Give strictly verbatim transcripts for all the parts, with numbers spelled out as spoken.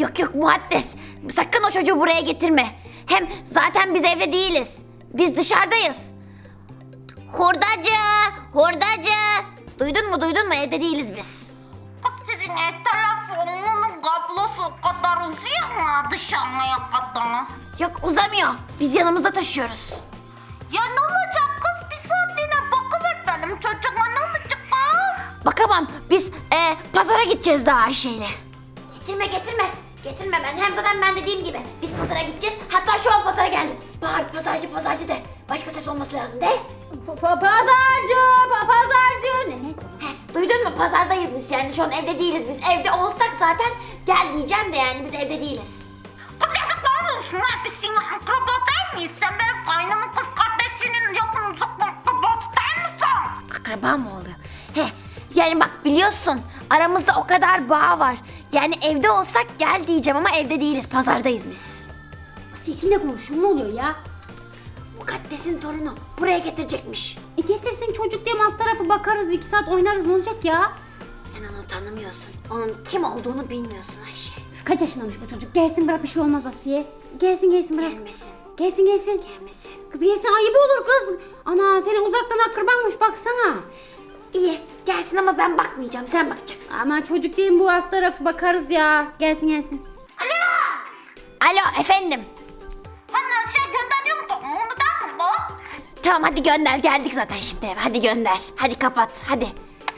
Yok yok Muaddes. Sakın o çocuğu buraya getirme. Hem zaten biz evde değiliz. Biz dışarıdayız. Hurdacı! Hurdacı! Duydun mu duydun mu? Evde değiliz biz. Sizin ev telefonunun kablosu o kadar uzuyor mu dışarıya kadar? Yok uzamıyor. Biz yanımızda taşıyoruz. Ya ne olacak kız, bir saatliğine bakıver benim çocuğuma, ne olacak kız? Bakamam. Biz e, pazara gideceğiz daha Ayşe'yle. Getirme getirme. Getirme ben. Hem zaten ben dediğim gibi biz pazara gideceğiz. Hatta şu an pazara geldik. Bağır pazarcı pazarcı de. Başka ses olması lazım de. Pazarcı, pazarcı. Ne ne? He, duydun mu? Pazardayız biz yani. Şu an evde değiliz biz. Evde olsak zaten gel diyeceğim de yani biz evde değiliz. Kız yazıklar olsun ha, biz senin akraba değil miyiz? Sen benim kaynımın kız kardeşinin yakın uzak akrabası değil misin? Akraba mı oluyor? He, yani bak biliyorsun aramızda o kadar bağ var. Yani evde olsak gel diyeceğim ama evde değiliz. Pazardayız biz. Asiye kimle konuşuyor, ne oluyor ya? Mukaddes'in torunu buraya getirecekmiş. E getirsin çocuk diye alt tarafı bakarız, iki saat oynarız, ne olacak ya? Sen onu tanımıyorsun. Onun kim olduğunu bilmiyorsun Ayşe. Kaç yaşındamış bu çocuk? Gelsin bırak, bir şey olmaz Asiye. Gelsin gelsin bırak. Gelmesin. Gelsin gelsin. Gelmesin. Kız gelsin, ayıp olur kız. Ana seni uzaktan akrabanmış, baksana. İyi gelsin ama ben bakmayacağım. Sen bakacaksın. Ama çocuk değil mi bu, alt tarafı bakarız ya. Gelsin gelsin. Alo! Alo efendim. Sen şey gönderiyor musun? Onu der mi bu? Tamam hadi gönder. Geldik zaten şimdi eve. Hadi gönder. Hadi kapat. Hadi.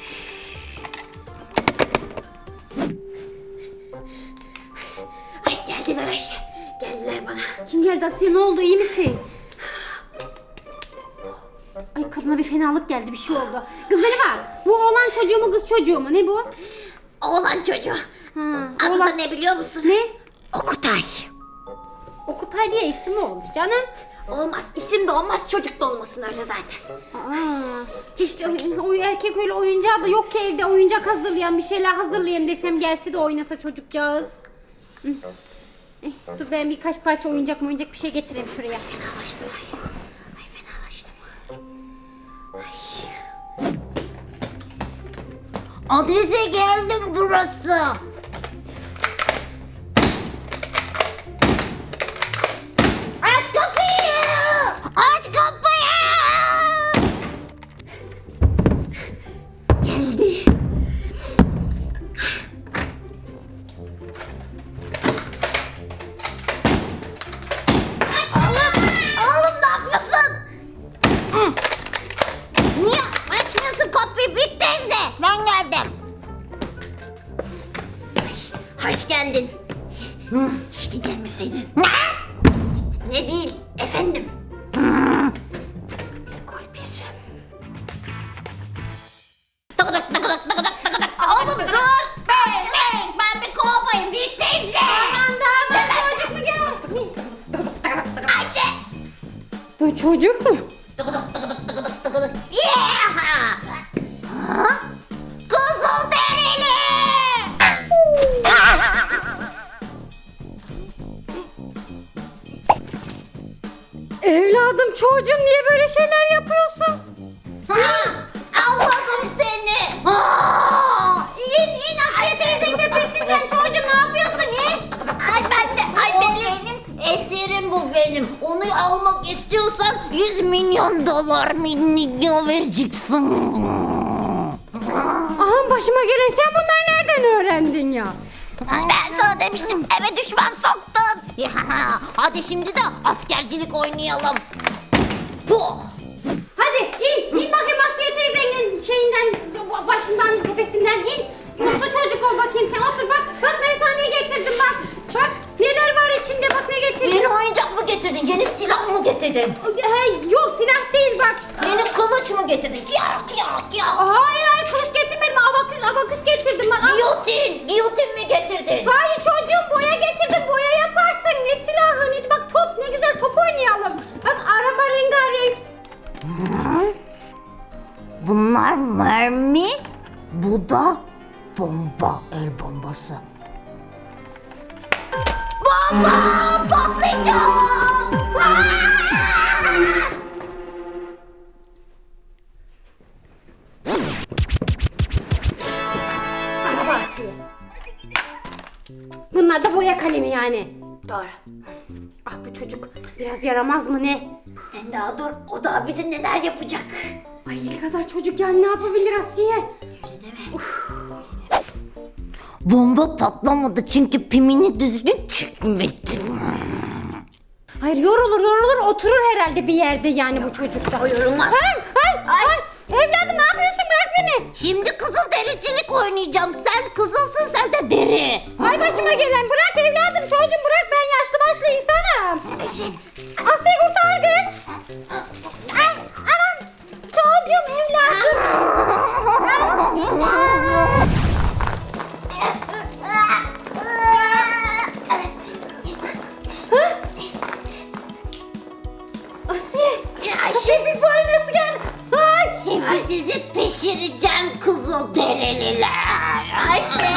Ay geldiler Ayşe. Geldiler bana. Kim geldi Asiye, ne oldu, iyi misin? Ay kadına bir fenalık geldi, bir şey oldu. Kız beni bak. Bu oğlan çocuğu mu kız çocuğu mu, ne bu? Oğlan çocuğu. Ha, Adı da oğlan... ne biliyor musun? Ne? Okutay. Okutay diye isim mi olmuş canım? Olmaz. İsim de olmaz. Çocuk da olmasın öyle zaten. Aa, keşke o, o erkek öyle oyuncağı da yok ki evde, oyuncak hazırlayan, bir şeyler hazırlayayım desem gelse de oynasa çocukcağız. Hı. Eh, dur ben birkaç parça oyuncak mı oyuncak bir şey getireyim şuraya. Fenalaştım ay. Ay fenalaştım. Adrese geldim, burası. Aç kapıyı! Aç kapıyı! Geldi. Oğlum, oğlum ne yapıyorsun? Niye açmıyorsun kapıyı? Bir teyze, ben geldim. Hoş geldin. Keşke gelmeseydin. Ne? Ne değil efendim. Bir gol bir. Tıkıdık tıkıdık tıkıdık tıkıdık. Oğlum dur! Ben, ben, ben bir kovayım, bir teyze. Aman da ben çocuk mu gel? Ayşe! Bu çocuk mu? Tıkıdık tıkıdık tıkıdık tıkıdık. Yeah! Ha? Kızıl derili! Evladım, çocuğum, niye böyle şeyler yapıyorsun? Ha! Avladım seni! Ha! İn in Asiye teyzenin tepesinden, çocuğum ne yapıyorsun, in? Ay ben de, ay benim eserim bu benim. Onu almak istiyorsan yüz milyon dolar milyon vereceksin. Aha, başıma gelen, sen bunları nereden öğrendin ya? Ben sana demiştim, eve düşman soktun. Ya, hadi şimdi de askercilik oynayalım. Puh. Hadi in, in bakayım Asiye teyzenin şeyinden, başından, tepesinden in. Uslu çocuk ol bakayım sen, otur bak. Bak ben sana ne getirdim bak. Bak neler var içinde, bak ne getirdim. Yeni oyuncak mı getirdin, yeni silah mı getirdin? Hey, yok silah değil bak. Yeni kılıç mı getirdin? Yarak yarak yarak. Hayır hayır, kılıç getirmedim, abaküs abaküs getirdim bak. Giyotin, giyotin mi getirdin? Hayır çocuğum, boya getirdim, boya yaparsın. Ne silahı, ne bak top, ne güzel top oynayalım. Bak araba rengarenk. Bunlar mermi, bu da bomba, el bombası. Bomba patlayacak! Bunlar Bunlar da boya kalemi yani. Doğru. Ah bu çocuk biraz yaramaz mı ne? Sen daha dur. O daha bize neler yapacak. Ay ne kadar çocuk yani ne yapabilir Asiye? Öyle deme. Bomba patlamadı çünkü pimini düzgün çıkmadı. Hayır yorulur yorulur oturur herhalde bir yerde yani bu çocukta. O yorulmaz. Ay, ay, ay. Evladım ne yapıyorsun bırak beni. Şimdi kızıl dericilik oynayacağım. Sen kızılsın, sen de deri. Ay başıma gelen bırak evladım çocuğum bırak ben yaşlı başlı insanım. Asya kurtar kız. Ay anam çocuğum evladım. Asiye. Asiye biz bu hale nasıl geldik? Ay. Şimdi sizi pişireceğim kızıl derililer. Ayşe.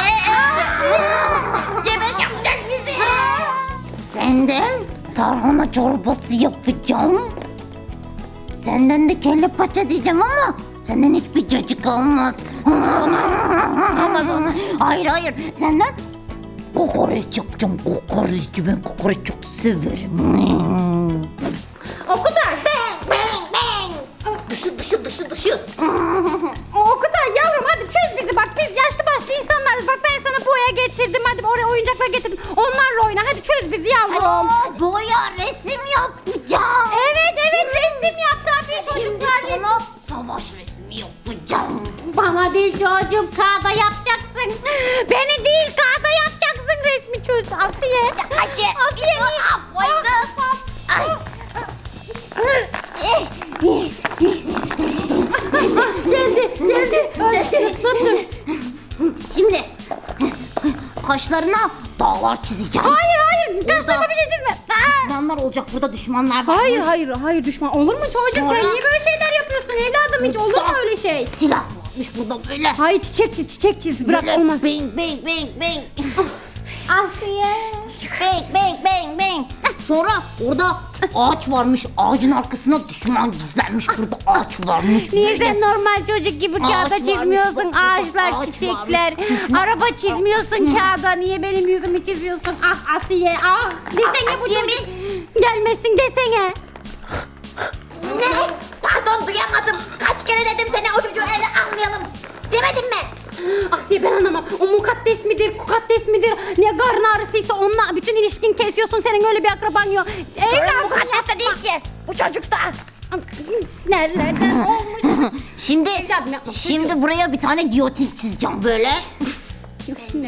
Yemek yapacak bizi. Senden tarhana çorbası yapacağım. Senden de kelle paça diyeceğim ama senden hiçbir cacık olmaz. Olmaz. Olmaz olmaz. Hayır hayır senden kokoreç yapacağım. Kokoreç ben kokoreç çok severim. O kadar. Bang bang. Dışı dışı dışı dışı. O kadar yavrum hadi çöz bizi bak biz yaşlı başlı insanlarız bak ben sana boya getirdim hadi oraya oyuncaklar getirdim onlarla oyna hadi çöz bizi yavrum. Aa, boya resim yapacağım. Evet evet resim yap tabii çocuklar resim. Sana savaş resmi yapacağım. Bana değil çocuğum kağıda yapacaksın. Beni değil kağıda yapacaksın resmi çöz Asiye. Ayşe. Asiye Ne yapıyorsun? Ay. geldi geldi. geldi. Şimdi kaşlarına dağlar çizeceğim. Hayır hayır kaşlarıma bir şey çizme. Aa! Düşmanlar olacak burada düşmanlar var. Hayır hayır hayır düşman olur mu çocuğum Sonra- sen niye böyle şeyler yapıyorsun evladım hiç olur mu öyle şey? Silah varmış burada böyle. Hayır çiçek çiz çiçek çiz bırak Böyle olmaz. Bang bang bang bang. Asiye. Bang bang bang bang. Sonra orada ağaç varmış. Ağacın arkasına düşman gizlenmiş. Burada ağaç varmış. Niye Böyle. sen normal çocuk gibi Ağaç kağıda varmış, çizmiyorsun bak burada ağaçlar, ağaç çiçekler, varmış. araba çizmiyorsun kağıda niye benim yüzümü çiziyorsun ah Asiye ah desene bu Asiye çocuk gelmesin desene. Ne? Pardon duyamadım. Kaç kere dedim seni o çocuğu eve almayalım. Demedim mi? Asiye ben anlamam o mukaddes midir kukaddes midir ne karın ağrısıysa onunla bütün ilişkin kesiyorsun senin öyle bir akraban yok. Sorun Evladım mukaddeste değil ki. Bu çocukta. nerelerden olmuş. Şimdi Evladım yapma, şimdi buraya bir tane giyotin çizeceğim böyle. Ne?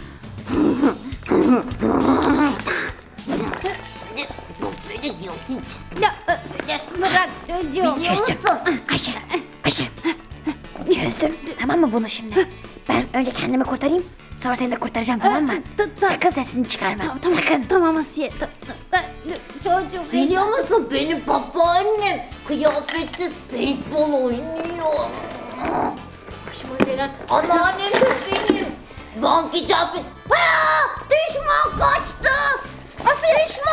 Şimdi böyle giyotin çizdim. Ya, bırak çocuğum. Biliyor musun? Ayşe. Ayşe. Çözdüm. Tamam mı bunu şimdi? Ben önce kendimi kurtarayım. Sonra seni de kurtaracağım tamam mı? Sakın sesini çıkarma. Sakın. Tamam Asiye. Çocuğum. Biliyor musun benim babaannem kıyafetsiz paintball oynuyor. Başıma gelen. Anneannem de benim. Bank icabı. Ha, düşman kaçtı. Düşman